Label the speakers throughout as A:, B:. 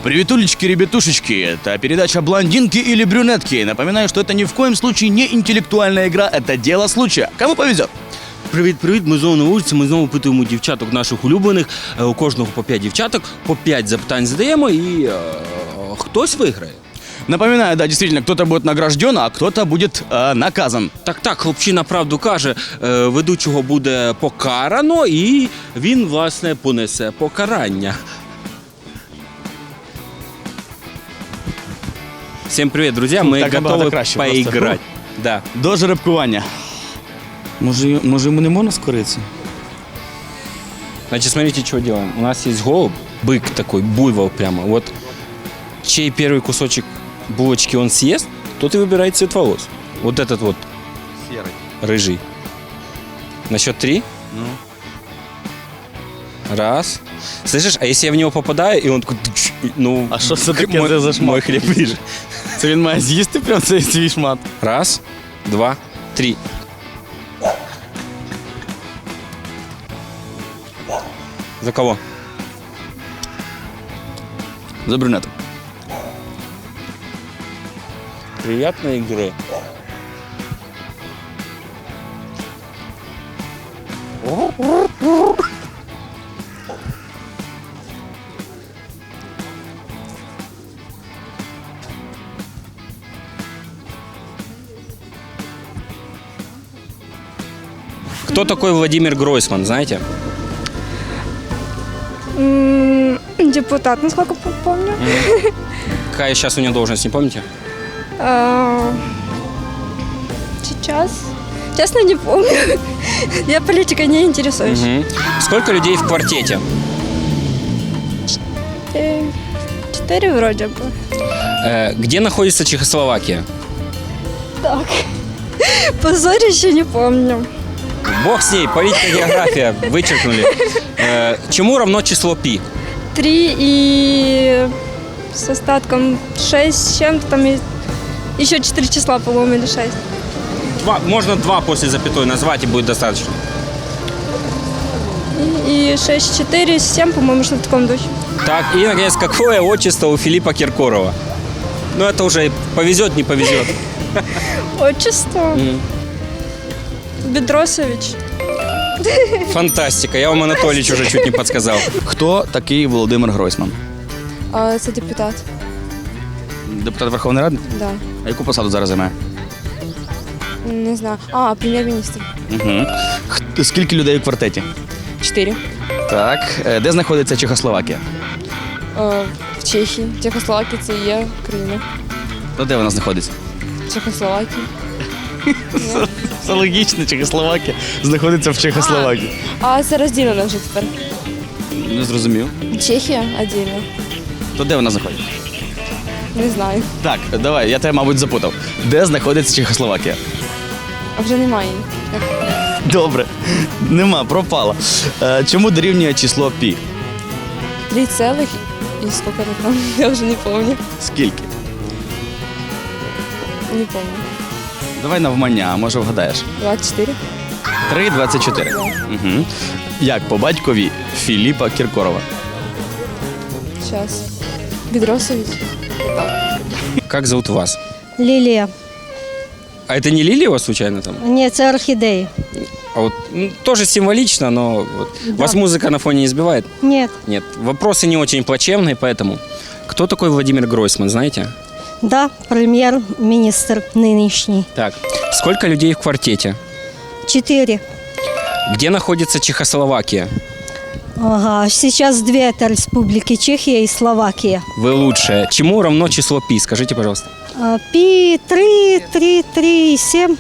A: Приветулечки, ребятушечки, это передача «Блондинки или брюнетки». Напоминаю, что это ни в коем случае не интеллектуальная игра, это дело случая. Кому повезет?
B: Привіт, ми знову на вулиці, ми знову питаємо дівчаток наших улюблених. У кожного по 5 дівчаток, по 5 запитань задаємо і хтось виграє.
A: Напоминаю, да, действительно, кто-то будет награжден, а кто-то будет наказан.
B: Так, хлопчина правду каже, ведучого буде покарано і він, власне, понесе покарання. Всем привет, друзья, мы
A: так
B: готовы
A: краще
B: поиграть. Да.
A: До жеребкування. Може йому не можна скоритися?
B: Значит, смотрите, что делаем. У нас есть голубь, бык такой, буйвол прямо. Вот чей первый кусочек булочки он съест, тот и выбирает цвет волос. Вот этот вот
A: Серый.
B: рыжий. На счет 3.
A: Ну.
B: Раз. Слышишь, а если я в него попадаю, и он такой... Ну,
A: А що це таке за шмат?
B: мой хлеб ближе.
A: Це він має з'їсти прям цей свій шмат?
B: Раз, два, три. За кого?
A: За брюнета.
B: Приятной игры. Кто такой Владимир Гройсман, знаете?
C: Депутат, насколько помню.
B: Какая сейчас у него должность, не помните?
C: Сейчас. Честно, не помню. Я политикой не интересуюсь.
B: Мгм. Сколько людей в квартете?
C: 4 вроде бы.
B: Где находится Чехословакия?
C: Так. Позорище не помню.
B: Бог с ней, политика, география, вычеркнули. Чему равно число пи?
C: 3 и с остатком 6 с чем-то там еще 4 числа, по-моему, или 6.
B: Можно 2 после запятой назвать и будет достаточно.
C: И 6, 4, 7, по-моему, что в таком духе.
B: Так, и, наконец, какое отчество у Филиппа Киркорова? Ну, это уже повезет, не повезет.
C: Отчество. Бедросович.
B: Фантастика, я вам Анатолійович уже чуть не подсказал.
A: Хто такий Володимир Гройсман?
C: Це депутат.
A: Депутат Верховної Ради?
C: Да.
A: А яку посаду зараз займає?
C: Не знаю. Прем'єр-міністр.
A: Угу. Скільки людей у квартеті?
C: 4.
A: Так. Де знаходиться Чехословакія?
C: В Чехії. Чехословакія це є країна.
A: То де вона знаходиться?
C: Чехословакія.
A: Це логічно, Чехословакія знаходиться в Чехословакії.
C: А це розділено вже тепер.
A: Не зрозумів.
C: Чехія віддільно.
A: То де вона знаходиться?
C: Не знаю.
A: Так, давай, я тебе, мабуть, запутав. Де знаходиться Чехословакія?
C: А вже немає її.
A: Добре. Нема, пропала. Чому дорівнює число пі?
C: 3 цілих і скільки там? Я вже не пам'ятаю.
A: Скільки?
C: Не пам'ятаю.
A: Давай навмання, а може вгадаєш.
C: 24.
A: 3,24. Угу. Як по батькові Філіпа Кіркорова?
C: Зараз. Бедросович.
B: Как зовут вас?
D: Лілія.
B: А это не Лилия у вас случайно там?
D: Ні, це орхідеї.
B: А вот тоже символично, но вот
D: Да.
B: вас музыка на фоне не сбивает?
D: Ні.
B: Нет. Вопросы не очень плачевные, поэтому. Кто такой Владимир Гройсман, знаете?
D: Да, прем'єр-міністр нинішній.
B: Так. Сколько людей в квартете?
D: 4.
B: Где находится Чехословакия?
D: Ага, сейчас 2 это республики, Чехия и Словакия.
B: Вы лучшая. Чему равно число пи? Скажите, пожалуйста.
D: Пи 3, 7,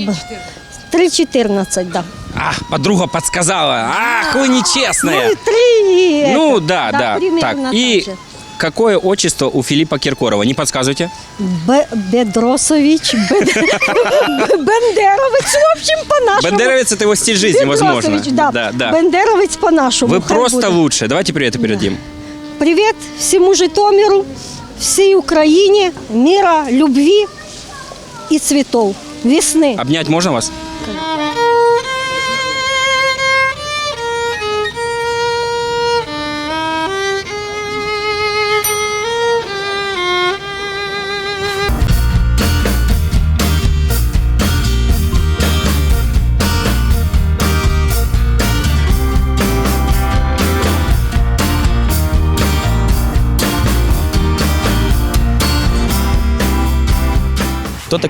D: 3,14, да.
B: Подруга подсказала. Ах, вы нечестная.
D: Ну и 3.
B: Ну, да.
D: примерно
B: Так,
D: так
B: и
D: же.
B: какое отчество у Филиппа Киркорова? Не подсказывайте.
D: Бедросович, Бендеровець, в общем, по-нашому.
B: Бендеровец – это его стиль жизни, возможно.
D: Бедросович, да. Бендеровець по-нашому.
B: Вы
D: хай
B: просто
D: буде.
B: лучше. Давайте привет передадим.
D: Привет всему Житомиру, всей Украине, мира, любви и цветов, весны.
B: Обнять можно вас?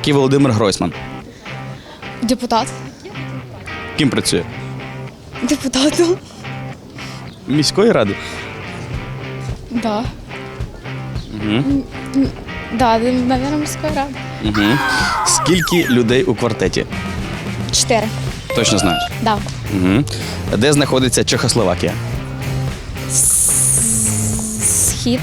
A: такий Володимир Гройсман?
C: Депутат.
A: Ким працює?
C: Депутатом.
A: Міської ради?
C: Да.
A: Угу.
C: Да, наверное, міської ради.
A: Угу. Скільки людей у квартеті?
C: 4.
A: Точно знаєш?
C: Да.
A: Угу. Де знаходиться Чехословакія?
C: Схід.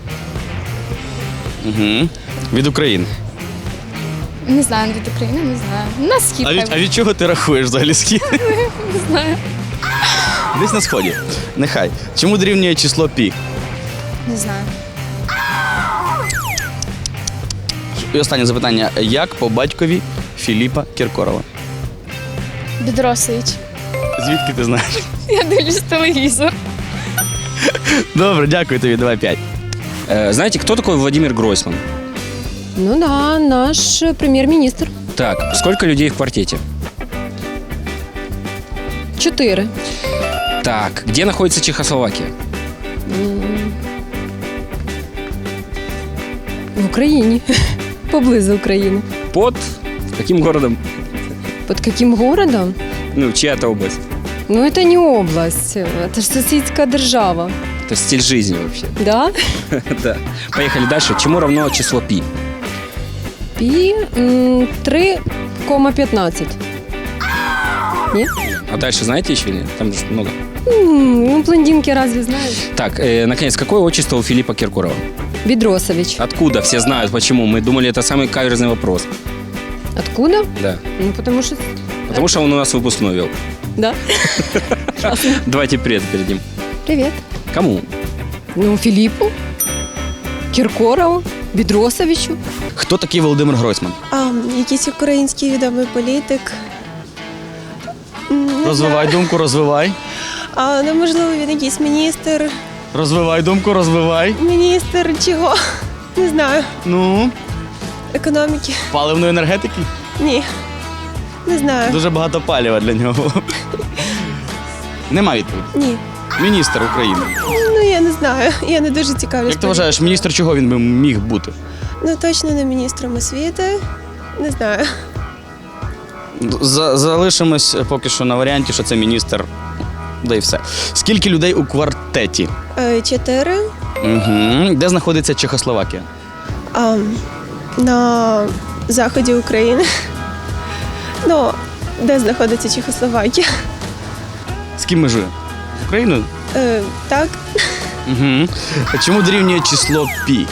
A: Угу. Від України.
C: Не знаю, від України, не знаю. На схід.
A: А від чого ти рахуєш взагалі схід?
C: Не знаю.
A: Десь на сході. Нехай. Чому дорівнює число пі?
C: Не знаю.
A: І останнє запитання. Як по батькові Філіпа Кіркорова?
C: Бедросович.
A: Звідки ти знаєш?
C: Я дивлюсь телевізор.
A: Добре, дякую тобі. Давай 5.
B: Знаете, кто такой Владимир Гройсман?
E: Ну да, наш прем'єр-міністр.
B: Так, сколько людей в квартете?
E: 4.
B: Так, где находится Чехословакия?
E: В Україні. Поблизу України.
B: Под каким городом?
E: Под каким городом?
B: Ну, чья-то область.
E: Ну, это не область, это ж сусідська держава.
B: Это стиль жизни вообще.
E: Да?
B: Да. Поехали дальше. Чему равно число пи?
E: Пі 3,15. Ні?
B: А дальше знаете еще или нет? Там же много.
E: Ну, блондинки разве знають?
B: Так, наконец, какое отчество у Филиппа Киркорова?
E: Бідросович.
B: Откуда? Все знают, почему. Мы думали, это самый каверзный вопрос.
E: Откуда?
B: Да.
E: Ну, потому що...
B: Потому что он у нас выпускной вел.
E: Да.
B: Давайте привет передадим.
E: Привіт.
B: Кому?
E: Ну, Філіпу, Кіркорову, Бідросовичу.
A: Хто такий Володимир Гройсман?
F: Якийсь український відомий політик.
A: Розвивай думку, розвивай.
F: Ну, можливо, він якийсь міністр.
A: Розвивай думку, розвивай.
F: Міністр чого? Не знаю.
A: Ну,
F: Економіки?
A: паливної енергетики?
F: Ні. Не знаю.
A: Дуже багато палива для нього. Нема відповіді.
F: Ні.
A: Міністр України.
F: Ну, я не знаю. Я не дуже цікавлюсь.
A: Як ти вважаєш, міністр чого він би міг бути?
F: Ну, точно не міністром освіти. Не знаю.
A: Залишимось поки що на варіанті, що це міністр. Да і все. Скільки людей у квартеті?
F: 4.
A: Угу. Де знаходиться Чехословакія?
F: На заході України. Ну, де знаходиться Чехословакія?
A: З ким межує? З Україною?
F: Так.
A: Угу. Чому дорівнює число пі?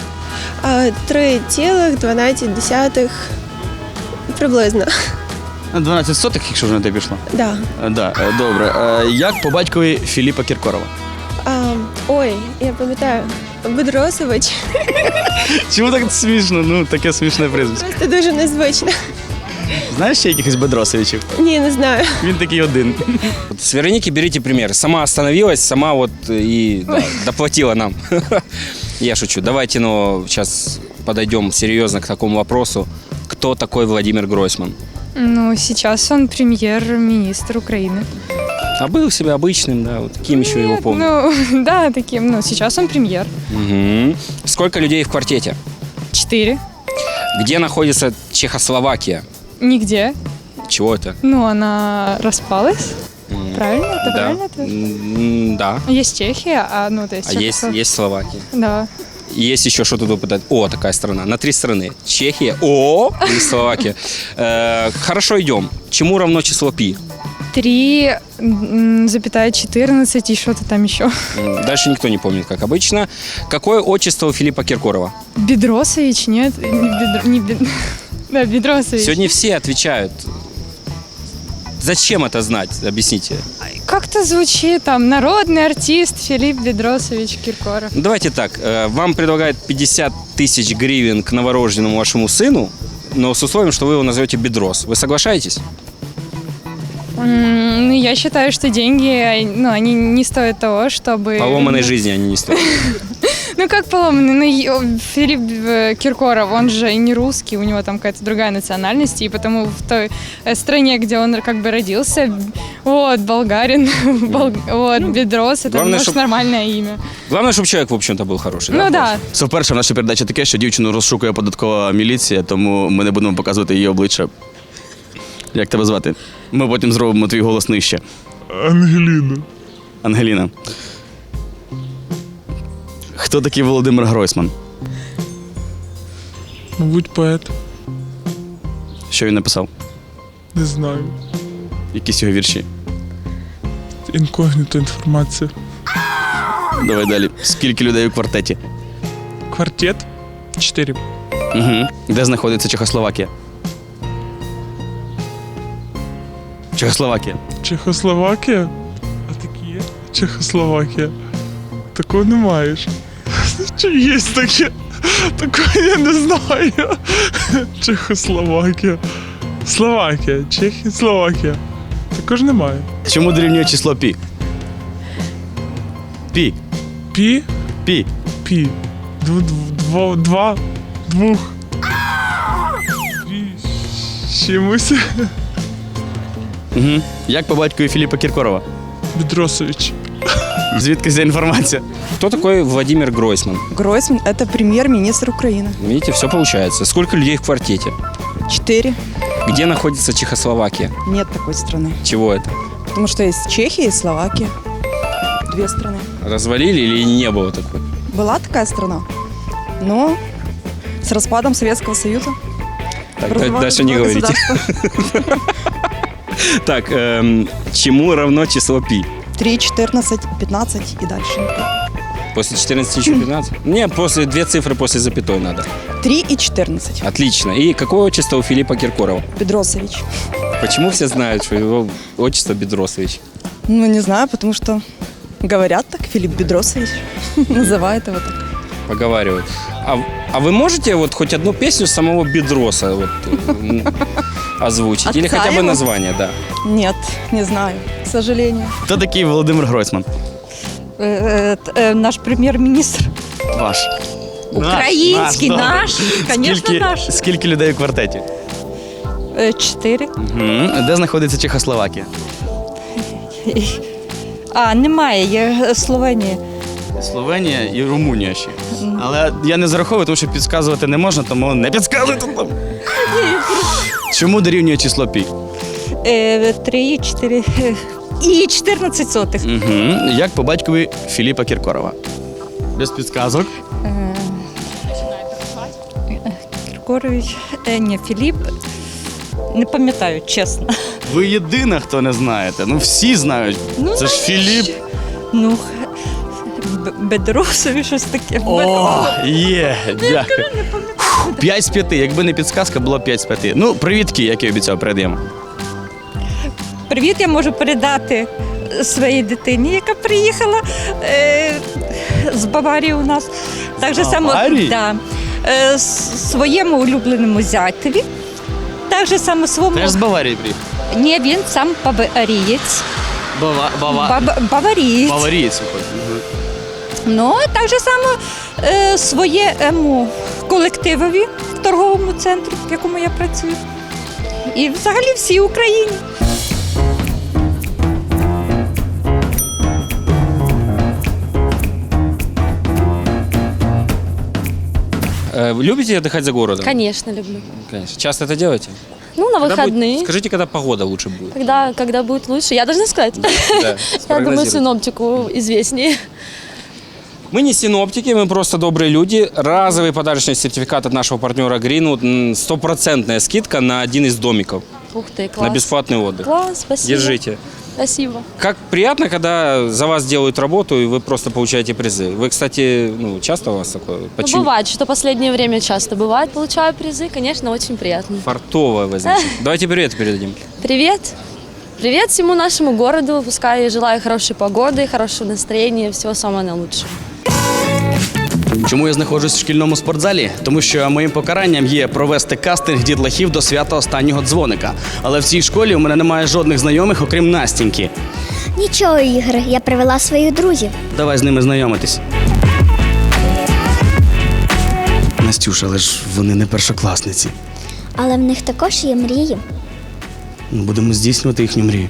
F: 3,12 приблизно.
A: 12 сотих, якщо вже на те пішло.
F: Да.
A: Да, добре. Як по батькові Філіпа Кіркорова?
F: Ой, я пам'ятаю. Бедросович.
A: Чому так смішно? Ну, таке смішне прізвище.
F: Просто дуже незвично.
A: Знаєш ще якихось Бедросовичів?
F: Ні, не знаю.
A: Він такий один.
B: Вот с Вероники берите пример. Сама остановилась, сама вот и да, доплатила нам. Я шучу. Давайте, но сейчас подойдем серьезно к такому вопросу. Кто такой Владимир Гройсман?
G: Ну, сейчас он премьер-министр Украины.
B: А был себе обычным, да, вот таким еще его помню.
G: Ну, да, таким. Ну, сейчас он премьер.
B: Мгм. Сколько людей в квартете?
G: 4.
B: Где находится Чехословакия?
G: Нигде.
B: Чего это?
G: Ну, она распалась. Правильно? Это
B: Да.
G: правильно? Это?
B: Да.
G: Есть Чехия, а ну, то есть...
B: А есть Словакия.
G: Да.
B: Есть еще что-то допытать. О, такая страна. На 3 страны. Чехия. О, и Словакия. Хорошо, идем. Чему равно число пи?
G: 3,14 и что-то там еще.
B: Дальше никто не помнит, как обычно. Какое отчество у Филиппа Киркорова?
G: Бедросович, нет? Да, Бедросович.
B: Сегодня все отвечают. Зачем это знать? Объясните.
G: Как-то звучит там народный артист Филипп Бедросович Киркоров.
B: Ну, давайте так. Вам предлагают 50 тысяч гривен к новорожденному вашему сыну, но с условием, что вы его назовете Бедрос. Вы соглашаетесь?
G: Ну, я считаю, что деньги, ну, они не стоят того, чтобы...
B: Поломанной жизни они не стоят.
G: Ну как поломанный? Ну, Филипп Киркоров, он же и не русский, у него там какая-то другая национальность, и потому в той стране, где он как бы родился, вот, болгарин, вот, Бедрос, это
B: главное,
G: может
B: чтоб-
G: нормальное имя.
B: Главное, чтобы человек, в общем-то, был хороший.
G: Ну да.
A: Це вперше в нашій передачі таке, що дівчину розшукує податкова міліція, тому ми не будемо показувати її обличчя. Як тебе звати? Ми потім зробимо твій голос нижче.
H: Ангеліна.
A: Ангеліна. Хто такий Володимир Гройсман?
H: Мабуть, поет.
A: Що він написав?
H: Не знаю.
A: Якісь його вірші?
H: Інкогніто інформація.
A: Давай далі. Скільки людей у квартеті?
H: Квартет 4.
A: Угу. Де знаходиться Чехословакія? Чехословакія.
H: Чехословакія? А такі є? Чехословакія. Такого не маєш. Чи є таке? Такого я не знаю. Чехословакія. Словакія. Чехія, Словакія. Також немає.
A: Чому дорівнює число пі? Пі.
H: Пі?
A: Пі.
H: Пі. Двох. Пі. Чимось.
A: Угу. Як по батькові Філіпа Кіркорова?
H: Бедросович.
A: Звідки ця інформація?
B: Кто такой Владимир Гройсман?
I: Гройсман – это премьер-министр Украины.
B: Видите, все получается. Сколько людей в квартете?
I: 4.
B: Где находится Чехословакия?
I: Нет такой страны.
B: Чего это?
I: Потому что есть Чехия и Словакия. 2 страны.
B: Развалили или не было такой?
I: Была такая страна, но с распадом Советского Союза
B: Так,
I: образовалось
B: дальше не
I: два
B: говорите.
I: государства.
B: Так, чему равно число пи?
I: 3, 14, 15 и дальше.
B: После 14 еще 15? Не, после 2 цифры после запятой надо.
I: 3 и 14.
B: Отлично. И какое отчество у Филиппа Киркорова?
I: Бедросович.
B: Почему все знают, что его отчество Бедросович?
I: Ну, не знаю, потому что говорят так, Филипп Бедросович. Называют его так.
B: Поговаривают. А вы можете вот хоть одну песню самого Бедроса вот, озвучить? Или
I: Отца
B: хотя бы
I: его?
B: название, да?
I: Нет, не знаю, к сожалению.
A: Хто такий Володимир Гройсман?
D: Наш прем'єр-міністр.
A: Ваш.
D: Український, наш. Звісно, наш.
A: Скільки людей у квартеті?
D: 4.
A: Угу. Де знаходиться Чехословакія?
D: Немає, є Словенія.
A: Словенія і Румунія ще. Але я не зараховую, тому що підказувати не можна, тому не підказуйте там. Чому дорівнює число пі?
D: 3 і 4. І 14 сотих.
A: Угу. Як по батькові Філіпа Кіркорова? Без підказок.
D: Кіркорович, ні, Філіп. Не пам'ятаю, чесно.
A: Ви єдина, хто не знаєте. Ну всі знають. Це ж Філіп.
D: Ну, Бедросові щось таке.
A: О, є, дякую. 5 з 5. Якби не підсказка, було 5 з 5. Ну, привітки, як і обіцяв, передаємо.
D: Привіт, я можу передати своїй дитині, яка приїхала з Баварії у нас. Так же само,
A: Баварії?
D: да, своєму улюбленому зятеві. Так же само своєму...
A: Теж з Баварії приїхав?
D: Ні, він сам баварієць. Баварієць.
A: Баварієць виходить.
D: Ну, так же само своєму колективові в торговому центрі, в якому я працюю. І взагалі всій Україні.
B: Любите отдыхать за городом?
J: Конечно, люблю.
B: Конечно. Часто это делаете?
J: Ну, на
B: Когда
J: выходные.
B: будет- скажите, когда погода лучше будет?
J: Когда будет лучше, я должна сказать.
B: Да,
J: Я думаю,
B: спрогнозируйте.
J: синоптику известнее.
B: Мы не синоптики, мы просто добрые люди. Разовый подарочный сертификат от нашего партнера Greenwood. 100% скидка на один из домиков.
J: Ух ты, класс.
B: На бесплатный отдых.
J: Класс, спасибо.
B: Держите.
J: Спасибо.
B: Как приятно, когда за вас делают работу, и вы просто получаете призы. Вы, кстати, часто у вас такое?
J: Ну, бывает, что последнее время часто бывает, получаю призы, конечно, очень приятно.
B: Фартовое возникнет. Давайте привет передадим.
J: Привет. Привет всему нашему городу, пускай желаю хорошей погоды, хорошего настроения, всего самого наилучшего.
A: Чому я знаходжусь в шкільному спортзалі? Тому що моїм покаранням є провести кастинг дітлахів до свята останнього дзвоника. Але в цій школі у мене немає жодних знайомих, окрім Настіньки.
K: Нічого, Ігор, я привела своїх друзів.
A: Давай з ними знайомитись. Настюша, але ж вони не першокласниці.
K: Але в них також є мрії.
A: Будемо здійснювати їхню мрію.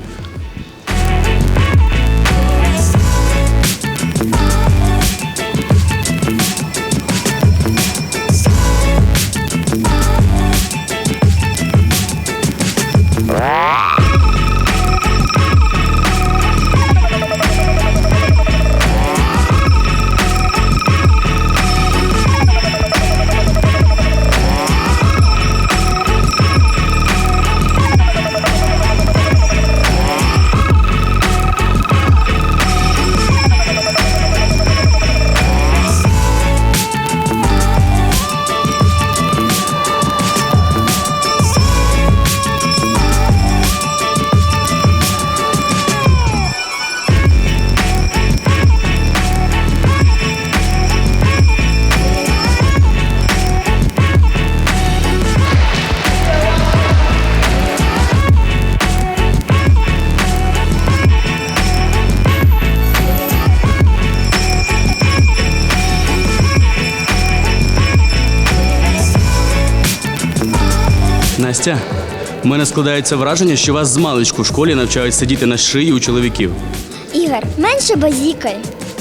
A: Настя, у мене складається враження, що вас з маличку в школі навчають сидіти на шиї у чоловіків.
K: Ігор, менше базікай.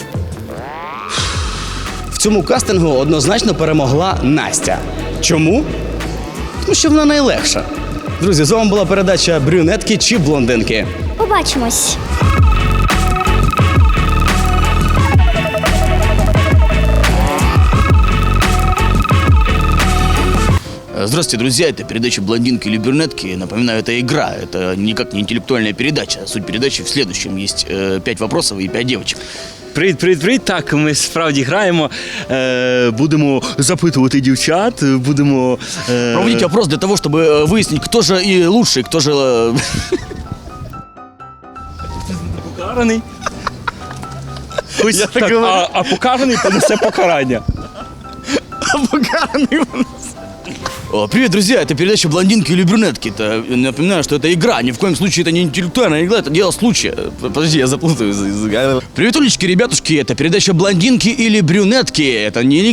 A: В цьому кастингу однозначно перемогла Настя. Чому? Тому що вона найлегша. Друзі, з вами була передача «Брюнетки чи блондинки».
K: Побачимось.
A: Здравствуйте, друзья, это передача «Блондинки или брюнетки». Напоминаю, это игра, это никак не интеллектуальная передача. Суть передачи в следующем. Есть 5 вопросов и 5 девочек.
B: Привіт. Так, ми справді граємо. Будемо запитувати дівчат, будемо...
A: Проводите опрос для того, чтобы выяснить, кто же и лучший, кто же...
B: Покараний.
A: Я так говорю.
B: А покараний понесе покарання.
A: Покаранный у нас. Привет, друзья, это передача «Блондинки или брюнетки». Напоминаю, что это игра, ни в коем случае это не интеллектуальная игра, это дело случая. Подожди, я заплутаю. Привет, улички, ребятушки, это передача «Блондинки или брюнетки». Это не...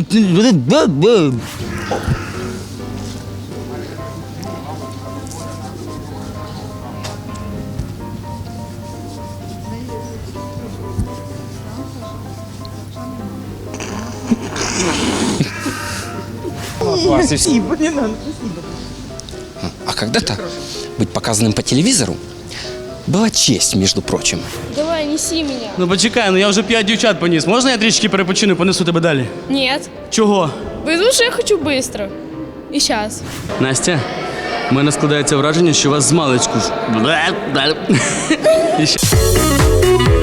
B: А когда-то быть показанным по телевизору была честь, между прочим.
J: Давай, неси меня.
A: Ну почекай, я вже 5 дівчат поніс. Можна я трішки перепочину і понесу тебе далі?
J: Нет.
A: Чого?
J: Потому что я хочу быстро. И сейчас.
A: Настя, у мене складається враження, що вас з маличку... І ще-